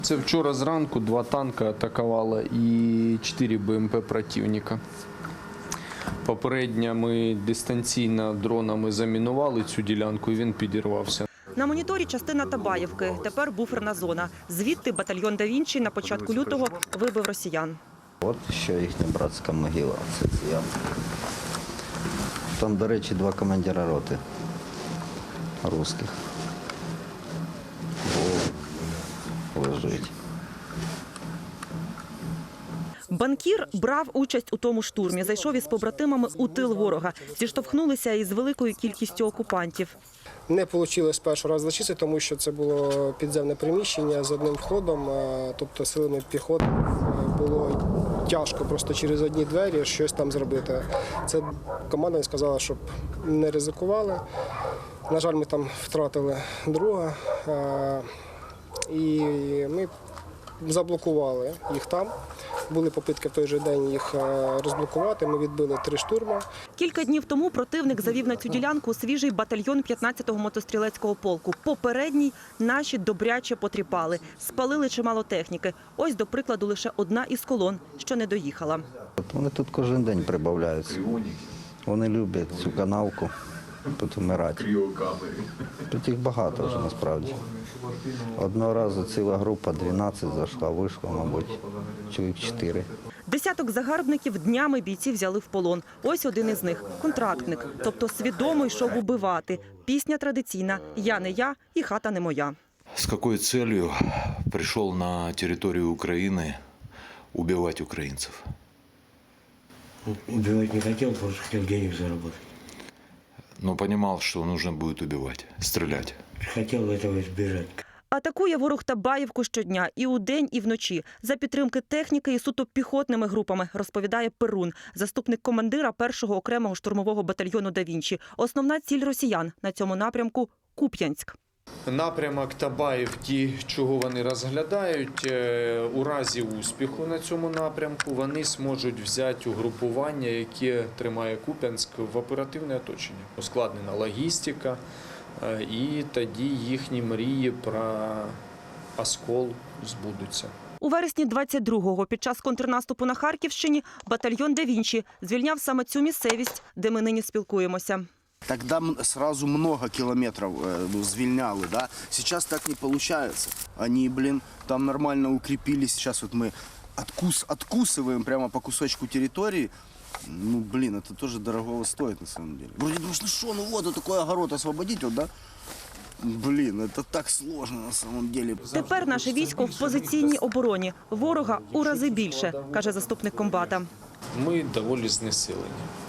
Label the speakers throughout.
Speaker 1: Це вчора зранку 2 танки атакували і 4 БМП противника. Попередньо ми дистанційно дронами замінували цю ділянку і він підірвався.
Speaker 2: На моніторі частина Табаєвки, тепер буферна зона. Звідти батальйон «Да Вінчі» на початку лютого вибив росіян.
Speaker 3: От ще їхня братська могила. Це я. Там, до речі, 2 командира роти русських. Лежить.
Speaker 2: Банкір брав участь у тому штурмі, зайшов із побратимами у тил ворога. Зіштовхнулися із великою кількістю окупантів.
Speaker 4: Не вийшло перший раз зачистити, тому що це було підземне приміщення з одним входом, тобто силами піхоти було тяжко просто через одні двері щось там зробити. Це команда сказала, щоб не ризикували. На жаль, ми там втратили друга і ми заблокували їх там. Були попитки в той же день їх розблокувати, ми відбили 3 штурми.
Speaker 2: Кілька днів тому противник завів на цю ділянку свіжий батальйон 15-го мотострілецького полку. Попередній наші добряче потріпали, спалили чимало техніки. Ось, до прикладу, лише одна із колон, що не доїхала.
Speaker 3: Вони тут кожен день прибавляються. Вони люблять цю канавку, тут вмирати. Тут їх багато вже насправді. Одного разу ціла група 12 зайшла, вийшло, мабуть, чоловік 4.
Speaker 2: Десяток загарбників днями бійці взяли в полон. Ось один із них – контрактник, тобто свідомо йшов убивати. Пісня традиційна «Я не я і хата не моя».
Speaker 5: С какой целью пришел на территорию Украины убивать украинцев?
Speaker 6: Убивать не хотел, просто хотел денег заработать.
Speaker 5: Но понимал, что нужно будет убивать, стрелять.
Speaker 6: Хотел этого избежать.
Speaker 2: Атакує ворог Табаєвку щодня і удень, і вночі. За підтримки техніки і суто піхотними групами, розповідає Перун, заступник командира 1-го окремого штурмового батальйону «Да Вінчі». Основна ціль росіян на цьому напрямку – Куп'янськ.
Speaker 1: Напрямок Табаївки, чого вони розглядають, у разі успіху на цьому напрямку вони зможуть взяти угрупування, яке тримає Куп'янськ, в оперативне оточення. Ускладнена логістика, і тоді їхні мрії про оскол збудуться.
Speaker 2: У вересні 22-го під час контрнаступу на Харківщині батальйон «Да Вінчі» звільняв саме цю місцевість, де ми нині спілкуємося.
Speaker 7: Тогда сразу много километров звільняли, да? Сейчас так не получается. Они, там нормально укрепились. Сейчас вот мы откусываем прямо по кусочку территории. Ну, это тоже дорогого стоит на самом деле. Вроде думаешь, ну что, ну вот такой огород освободить, вот, да? Это так сложно на самом деле.
Speaker 2: Тепер наше військо в позиційній обороні. Ворога у рази більше, каже заступник комбата.
Speaker 1: Ми доволі знесилені.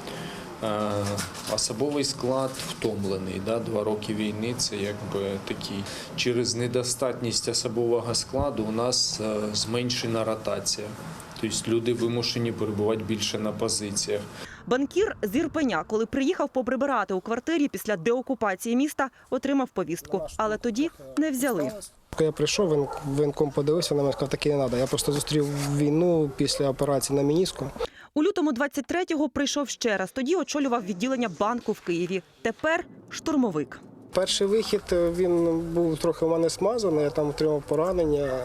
Speaker 1: Особовий склад втомлений. 2 роки війни – це якби такий. Через недостатність особового складу у нас зменшена ротація. Тобто люди вимушені перебувати більше на позиціях.
Speaker 2: Банкір з Ірпеня, коли приїхав поприбирати у квартирі після деокупації міста, отримав повістку. Але тоді не взяли.
Speaker 4: Коли я прийшов, воєнком подивився на мене, сказав, таке не треба. Я просто зустрів війну після операції на меніску.
Speaker 2: У лютому 23-го прийшов ще раз. Тоді очолював відділення банку в Києві. Тепер штурмовик.
Speaker 4: Перший вихід, він був трохи у мене смазаний, я там отримав поранення.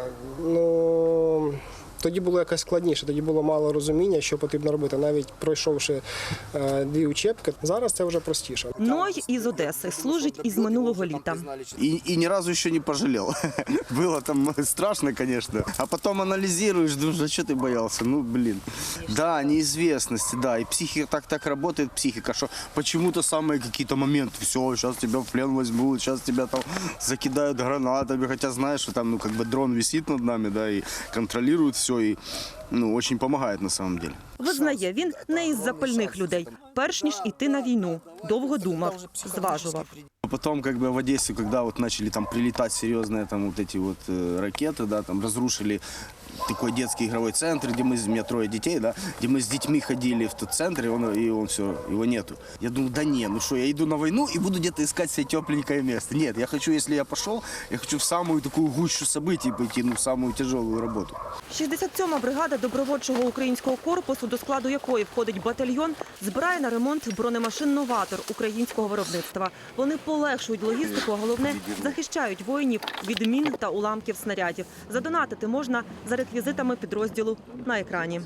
Speaker 4: Тоді було якось складніше, тоді було мало розуміння, що потрібно робити, навіть пройшовши 2 учебки. Зараз це вже простіше.
Speaker 2: Ной із Одеси, служить із минулого літа.
Speaker 7: И ни разу еще не пожалел. Было там страшно, конечно. А потом анализируешь, думаешь, а что ты боялся? Да, неизвестность, да. И психика так работает, психика, что почему-то самые какие-то моменты. Все, сейчас тебя в плен возьмут, сейчас тебя там закидают гранатами. Хотя знаешь, что там дрон висит над нами, да, и контролирует все. І дуже допомагає на самом деле.
Speaker 2: Визнає, він не із запальних людей. Перш ніж іти на війну, довго думав, зважував.
Speaker 7: Потом, в Одессе, когда начали там прилетать серьезные ракеты, да, там разрушили такой детский игровой центр, где у меня 3 детей, да, где мы с детьми ходили в тот центр, и он все, его нету. Я думаю, да не, ну что, я иду на войну и буду где-то искать себе тепленькое место. Нет, я хочу, если я пошел, я хочу в самую такую гущу событий пойти, в самую тяжелую работу.
Speaker 2: 67-ма бригада добровольчого українського корпусу, до складу якої входить батальйон, збирає на ремонт бронемашин «Новатор» українського виробництва. Вони по полегшують логістику, а головне – захищають воїнів від мін та уламків снарядів. Задонатити можна за реквізитами підрозділу на екрані.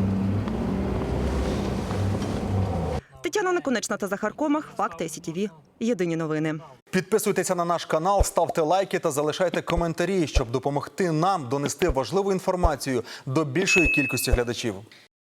Speaker 2: Тетяна Наконечна та Захар Комах. Факти СІТВ. Єдині новини.
Speaker 8: Підписуйтеся на наш канал, ставте лайки та залишайте коментарі, щоб допомогти нам донести важливу інформацію до більшої кількості глядачів.